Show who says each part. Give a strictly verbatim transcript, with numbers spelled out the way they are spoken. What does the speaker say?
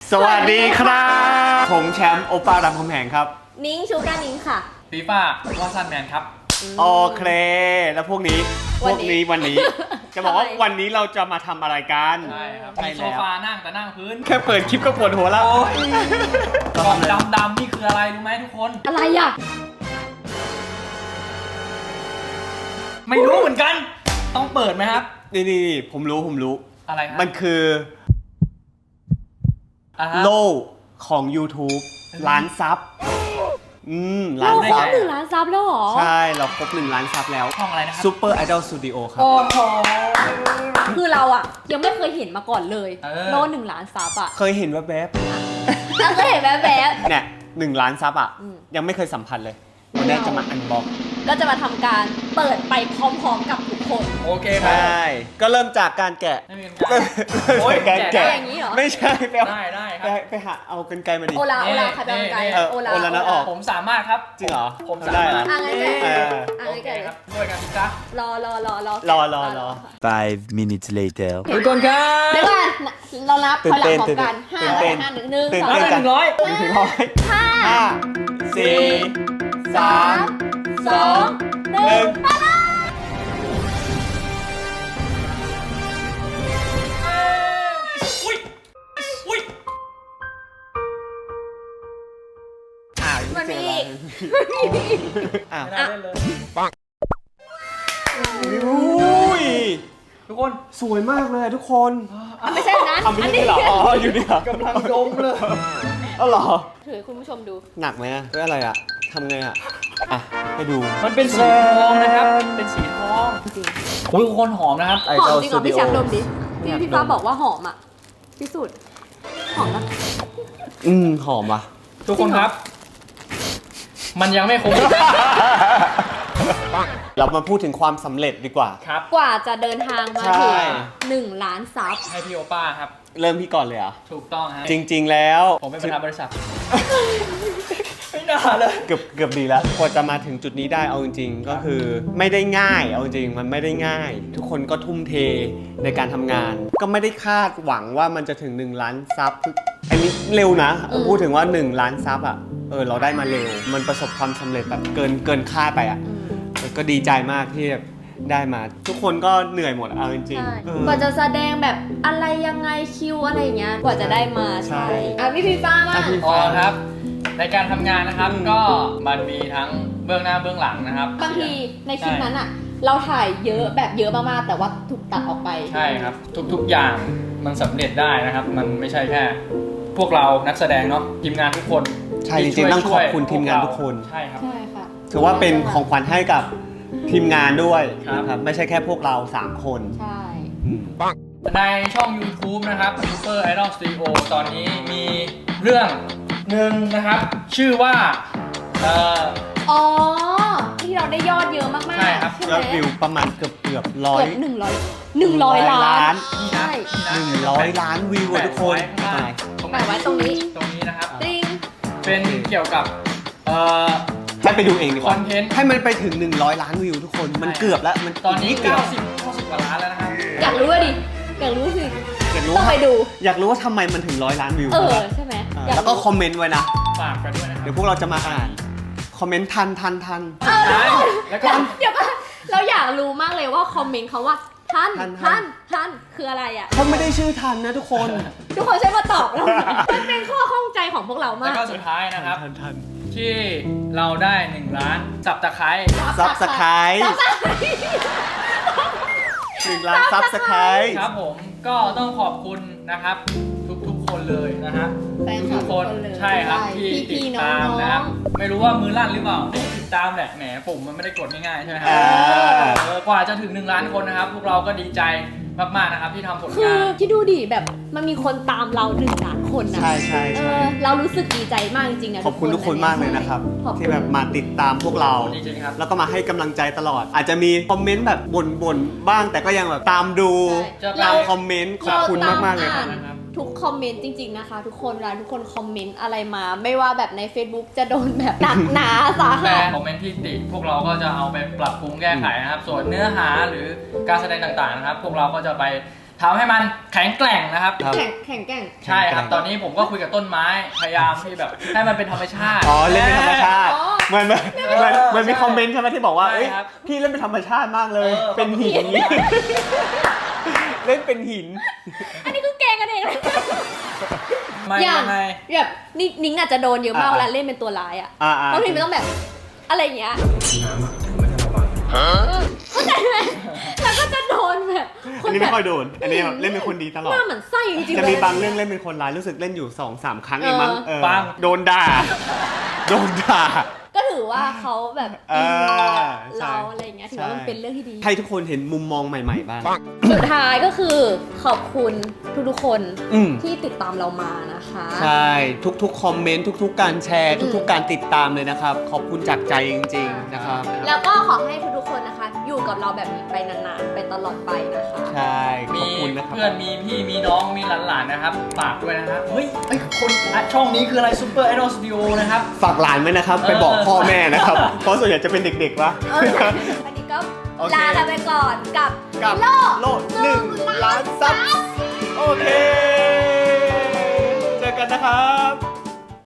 Speaker 1: สวัสดีครับผมแชมป์โอป้ารามคำแหงครับ
Speaker 2: นิ้งชูการนิ้งค่ะ
Speaker 3: ฟีฟ่าวอซันแมนครับ
Speaker 1: โอเคแล้วพวกนี้พวกนี้วันนี้จะบอกว่าวันนี้เราจะมาทำอะไรกัน
Speaker 3: ใช่ครับมีโซฟานั่งแต่นั่งพื้น
Speaker 1: แค่เปิดคลิปก็ปวดหัวแล้ว
Speaker 3: กล่องดำๆนี่คืออะไรรู้ไหมทุกคน
Speaker 2: อะไรอ่ะ
Speaker 3: ไม่รู้เหมือนกันต้องเปิดไหมครับ
Speaker 1: นี่นี่ผมรู้ผมรู้
Speaker 3: อะไรครับ
Speaker 1: มันคือโล่ของ YouTube ล้านซับอืมล้าน
Speaker 2: ซับหนึ่งล้านซับแล้วหรอ
Speaker 1: ใช่เราครบหนึ่งล้านซับแล้ว
Speaker 3: ช่องอะไรนะครับ
Speaker 1: Super Idol Studio ครับ
Speaker 2: โอ้โหคือเราอ่ะยังไม่เคยเห็นมาก่อนเลยโล่หนึ่งล้านซับอ่ะ
Speaker 1: เคยเห็นว่าแบบ
Speaker 2: เคยเห็นแบบแบบ
Speaker 1: เนี่ยหนึ่งล้านซับอ่ะยังไม่เคยสัมผัสเลยวันนี้จะมาอันบ็อก
Speaker 2: ก็จะมาทำการเปิดไปพร้อมๆกับทุกคน
Speaker 3: โอเคครับใช่
Speaker 1: ก็เริ่มจากการแกะ
Speaker 3: โอ้ย
Speaker 1: การแกะ
Speaker 2: อย่างนี้เหรอ
Speaker 1: ไม่ใช่ไปเอา
Speaker 3: ได้ได้ครับ
Speaker 1: ไปหาเอากรรไกรมาดิ
Speaker 2: โอลาโอลาใครเป็นกรรไกร
Speaker 1: โอลาโอลานะออก
Speaker 3: ผมสามารถครับ
Speaker 1: จริงเหรอ
Speaker 3: ผมสามารถ
Speaker 2: อ่ะงั้นแกะอ่ะงั้นแกะ
Speaker 3: ครับด้วยกันจ้ะ
Speaker 2: รอรอรอรอ
Speaker 1: รอรอรอ
Speaker 4: five minutes later
Speaker 3: ทุกคนครับ
Speaker 2: เดี๋ยวก่อนเรานับถอยหลังพร้อมกันห้าห้าหนึ่งหนึ่งสอง
Speaker 3: หนึ่งร้อย
Speaker 1: หนึ่งร้อยห้าสี่สามสองหนึ่ง
Speaker 3: อุ้ยอุ้ย
Speaker 1: อ่า
Speaker 2: มันมี
Speaker 1: อ่า
Speaker 3: ไม่ได้เล่นเลย
Speaker 1: ปังอุ้ย
Speaker 3: ทุกคน
Speaker 1: สวยมากเลยทุกคน
Speaker 2: ไม่ใช่นั้น
Speaker 1: อันนี้เหรออ๋ออยู่นี่เหรอก
Speaker 3: ำลังดมเลย
Speaker 1: อ๋อเหรอ
Speaker 2: ถือคุณผู้ชมดู
Speaker 1: หนักไหมอะเพื่ออะไรอะทำไงอะอ่ะให้ดู
Speaker 3: มันเป็นสีทองนะครับเป็นสีทองจริงโอ้ยทุกคนหอมนะครับ
Speaker 2: หอมจริงเหรอพี่แชมป์ดมดิพี่พี่ฟ้าบอกว่าหอมอ่ะที่สุดหอมนะ
Speaker 1: อืมหอมว่ะ
Speaker 3: ทุกคนครับมันยังไม่คง
Speaker 1: เรามาพูดถึงความสำเร็จดีกว่า
Speaker 3: ครับ
Speaker 2: กว่าจะเดินทางมาถึงหนึ่งล้านซับ
Speaker 3: ให้พี่โอป้าครับ
Speaker 1: เริ่มพี่ก่อนเลยเหรอ
Speaker 3: ถูกต้องฮะ
Speaker 1: จริงๆแล้ว
Speaker 3: ผมเป็นประธานบริษัทไม่น่าเลย
Speaker 1: เกือบเกือบดีแล้วกว่าจะมาถึงจุดนี้ได้เอาจริงๆก็คือไม่ได้ง่ายเอาจริงมันไม่ได้ง่ายทุกคนก็ทุ่มเทในการทำงานก็ไม่ได้คาดหวังว่ามันจะถึงหนึ่งล้านซับอันนี้เร็วนะพูดถึงว่าหนึ่งล้านซับอ่ะเออเราได้มาเร็วมันประสบความสำเร็จแบบเกินเกินคาดไปอ่ะก็ดีใจมากที่ได้มาทุกคนก็เหนื่อยหมดเอาจริง
Speaker 2: ๆกว่าจะแสดงแบบอะไรยังไงคิวอะไรอย่างเงี้ยกว่าจะได้มาใช่อ่ะพี่พีฟ้ามา
Speaker 3: อ๋อครับในการทำงานนะครับก็มันมีทั้งเบื้องหน้าเบื้องหลังนะครับ
Speaker 2: บางทีในคลิปนั้นอ่ะเราถ่ายเยอะแบบเยอะมากๆแต่ว่าถูกตัดออกไป
Speaker 3: ใช่ครับทุกๆอย่างมันสำเร็จได้นะครับมันไม่ใช่แค่พวกเรานักแสดงเนาะทีมงานทุกคน
Speaker 1: ใช่จริงๆต้องขอบคุณทีมงานทุกคน
Speaker 3: ใช่ครับ
Speaker 2: ใช่ค่ะ
Speaker 1: ถือว่าเป็นของขวัญให้กับทีมงานด้วยนะครับไม่ใช่แค่พวกเราสามคน
Speaker 2: ใช่
Speaker 3: ในช่อง YouTube นะครับ Super Idol Studio ตอนนี้มีเรื่องหนึ่งนะครับชื่อว่าเอ่อ
Speaker 2: อ๋อที่เราได้ยอดเยอะมากๆ
Speaker 3: ใช่ครับ
Speaker 1: ยอดวิวประมาณเกือบเกือบร้อย
Speaker 2: หนึ่งร้อยหนึ่งร้อยล้าน
Speaker 3: ใช่
Speaker 1: หนึ่งร้อยล้านวิวทุกคน
Speaker 2: แปะไว้ตรงนี้
Speaker 3: ตรงนี้นะครับ
Speaker 2: จริง
Speaker 3: เป็นเกี่ยวกับเอ่อ
Speaker 1: ให้ไปดูเองดีกว่า
Speaker 3: คอนเทนต์
Speaker 1: ให้มันไปถึงหนึ่งร้อยล้านวิวทุกคนมันเกือบแล้วมัน
Speaker 3: ตอนนี้เก้าสิบ เก้าสิบกว่าล้านแล้วนะครับ
Speaker 2: อยากรู้ว่าดิอยากรู้สิ
Speaker 1: อยากรู้
Speaker 2: ต้องไปดู
Speaker 1: อยากรู้ว่าทำไมมันถึงร้อยล้านวิว
Speaker 2: เออใช่ไหม
Speaker 1: แล้วก็คอมเมนต์ไว้นะ
Speaker 3: ฝากกันด้วยนะครับ
Speaker 1: เดี๋ยวพวกเราจะมาอ่านคอมเมนต์ทันทันทัน
Speaker 2: แล้วก็เดี๋ยวก็เราอยากรู้มากเลยว่าคอมเมนต์เขาว่าทันทันทันคืออะไรอ่ะ
Speaker 1: เขาไม่ได้ชื่อทันนะทุกคน
Speaker 2: ทุกคนใช่มาตอบเรามันเป็นข้อข้องใจของพวกเรามาก
Speaker 3: แล้วก็สุดท้ายนะครับที่เราได้หนึ่งล้านซับสไครบ์
Speaker 1: ซับสไครบ์หนึ่งล้านซับสไครบ์
Speaker 3: ครับผมก็ต้องขอบคุณนะครับทุกๆคนเลยนะฮะทุกคนใช่ครับที่ติดตามนะครับไม่รู้ว่ามือลั่นหรือเปล่าติดตามแหละแหมปุ่มมันไม่ได้กดง่ายๆใช่ไหมครับกว่าจะถึงหนึ่งล้านคนนะครับพวกเราก็ดีใจมากๆนะครับที่ทำผลงาน
Speaker 2: คือคิดดูดิแบบมันมีคนตามเราหนึ่งล้านคนนะ
Speaker 1: ใช่ใช่ใช่
Speaker 2: เรารู้สึกดีใจมากจริงๆนะ
Speaker 1: ขอบคุณทุกคนมากเลยนะครับที่แบบมาติดตามพวกเราแล้วก็มาให้กำลังใจตลอดอาจจะมีคอมเมนต์แบบบ่นๆบ้างแต่ก็ยังแบบตามดูตามคอมเมนต์ขอบคุณมากๆเลยครับ
Speaker 2: ทุกคอมเมนต์จริงๆนะคะทุกคนเวลาทุกคนคอมเมนต์อะไรมาไม่ว่าแบบใน Facebook จะโดนแบบหนักหนาสาหัส
Speaker 3: แต่คอมเมนต์ที่ติพวกเราก็จะเอาไปปรับปรุงแก้ไขนะครับส่วนเนื้อหาหรือการแสดงต่างๆนะครับพวกเราก็จะไปททำให้มันแข็งแกร่งนะครับ
Speaker 1: ครับ
Speaker 2: แข่งแข่งแข่ง
Speaker 3: ใช่ครับ ตอนนี้ผมก็คุยกับต้นไม้ พยายามที่แบบให้มันเป็นธรรมชาติ
Speaker 1: อ๋อเล่นเป็นธรรมชาติ
Speaker 2: อ๋อ
Speaker 1: เหมือนเหมือนเหมือนเหมือนมีคอมเมนต์ใช่ไหมที่บอกว่า
Speaker 3: ใช่
Speaker 1: เอ้ย
Speaker 3: ครับ
Speaker 1: พี่เล่นเป็นธรรมชาติมากเลย
Speaker 3: เออ
Speaker 1: เป็นหินนี้ เล่นเป็นหิน
Speaker 2: อันนี้คือแกงกันเองนะ
Speaker 3: ไม่
Speaker 2: อย่าง
Speaker 3: ยังไง
Speaker 2: แบบนี่นิ้งอาจจะโดนเยอะมาก
Speaker 1: อ่า
Speaker 2: เวลาเล่นเป็นตัวร้ายอ่ะ
Speaker 1: อ่าอ่า
Speaker 2: เพราะทีมันต้องแบบอะไรอย่างเงี้ยเออเข้าใจไหมแล้วก็จะโดนแบบค
Speaker 1: อัน
Speaker 2: น
Speaker 1: นี้
Speaker 2: แบ
Speaker 1: ไม่
Speaker 2: บ
Speaker 1: ค่อยโดน อันนี้แบบเล่นเป็นคนดีตลอ
Speaker 2: ห
Speaker 1: ด
Speaker 2: น้าเหมือนไส้จริงๆ
Speaker 1: จะ
Speaker 2: เล
Speaker 1: มี
Speaker 2: ย
Speaker 1: บางเรื่องเล่นเป็นคนร้ายรู้สึกเล่นอยู่สองสามครั้งเองมั้ง
Speaker 2: เออ
Speaker 1: เออ
Speaker 3: ปัง
Speaker 1: โดนด่า โดนด่า
Speaker 2: ก็ถือว่าเขาแบบ
Speaker 1: เอ
Speaker 2: อิน
Speaker 1: อ
Speaker 2: กับ
Speaker 1: ใช่
Speaker 2: เราอะไรอย่างเงี้ยถือว่ามันเป็นเรื่องที่ดี
Speaker 1: ให้ทุกคนเห็นมุมมองใหม่ ๆ บ้าง
Speaker 2: สุดท้ายก็คือขอบคุณทุกๆคน
Speaker 1: อืม
Speaker 2: ที่ติดตามเรามานะคะ
Speaker 1: ใช่ ทุกๆ คอมเมนต์ ทุก ๆ การแชร์ ทุก ๆ การติดตามเลยนะครับ ขอบคุณจากใจจริง ๆ นะครับ
Speaker 2: แล้วก็ขอให้ทุกๆคนนะคะ อยู่กับเราแบบนี้ไปนานๆ ไปตลอดไปนะคะ
Speaker 1: ใช่ ข
Speaker 3: มี
Speaker 1: อบคุณนะครับ
Speaker 3: เพื่อนมีพี่มีน้องมีหลานๆนะครับฝากด้วยนะครับเฮ้ยเอ้ยคนอ่ะช่องนี้คืออะไรซูเปอร์ไอดอลสตูดิโอนะครับ
Speaker 1: ฝากหลานไว้นะครับ ไปบอกพ่อแม่นะครับ เพราะส่วนใหญ่จะเป็นเด็กๆวะ
Speaker 2: เอออันนี้ก็
Speaker 1: โอเค
Speaker 2: ลากันไปก่อนกับ
Speaker 1: กับ
Speaker 2: โลก
Speaker 1: โลกหนึ่งล้านซับ